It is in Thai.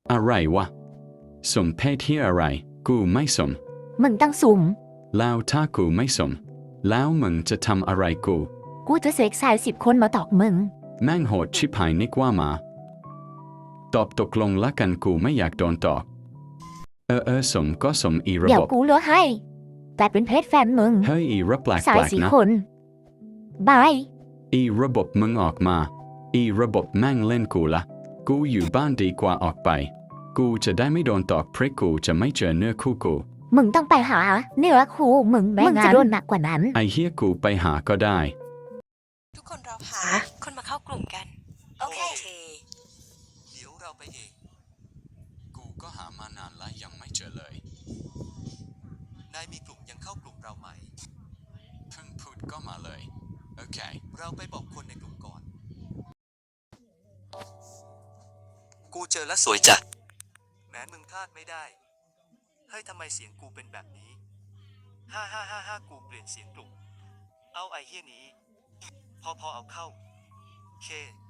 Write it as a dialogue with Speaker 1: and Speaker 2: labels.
Speaker 1: อะไรวะสมเพศที่อะไรกูไม่สม
Speaker 2: มึงตั้งสุ่ม
Speaker 1: แล้วถ้ากูไม่สมแล้วมึงจะทำอะไร
Speaker 2: กูจะเสกสาย10 คนมาตอกมึง
Speaker 1: แม่งโหดชิบหายนิกว่ามาตอบตกลงละกันกูไม่อยากโดนตอกสมก็สมอีระ
Speaker 2: เดี๋ย
Speaker 1: บ
Speaker 2: ว
Speaker 1: บ
Speaker 2: กูเหลือให้แต่เป็นเพศแฟนมึง
Speaker 1: เฮ้ยอีระแปล
Speaker 2: สาย
Speaker 1: กๆนะ
Speaker 2: 4 คนบาย
Speaker 1: อีระบบมึงออกมาอีระบบแม่งเล่นกูละกูอยู่บ้านดีกว่าออกไปกูจะได้ไม่โดนตอกเพราะกูจะไม่เจอเนื้อคู่กู
Speaker 2: มึงต้องไปหาเนื้อคู่มึงแม่งจะโดนหนักกว่านั้น
Speaker 1: ไอเฮียกูไปหาก็ได้
Speaker 3: ทุกคนรอหาคนมาเข้ากลุ่มกัน โอเค
Speaker 4: เดี๋ยวเราไปเอง
Speaker 1: กูก็หามานานแล้วยังไม่เจอเลย
Speaker 4: นายมีกลุ่มยังเข้ากลุ่มเราไหม
Speaker 1: เพิ่งพูดก็มาเลยโอเค
Speaker 4: เราไปบอกคนในกลุ่มก่อน กูเจอแล้วสวยจัดแม้มึงพลาดไม่ได้ เฮ้ยทำไมเสียงกูเป็นแบบนี้ฮ่ากูเปลี่ยนเสียงกลุ่ม เอาไอเฮียนี้ พอเอาเข้าเค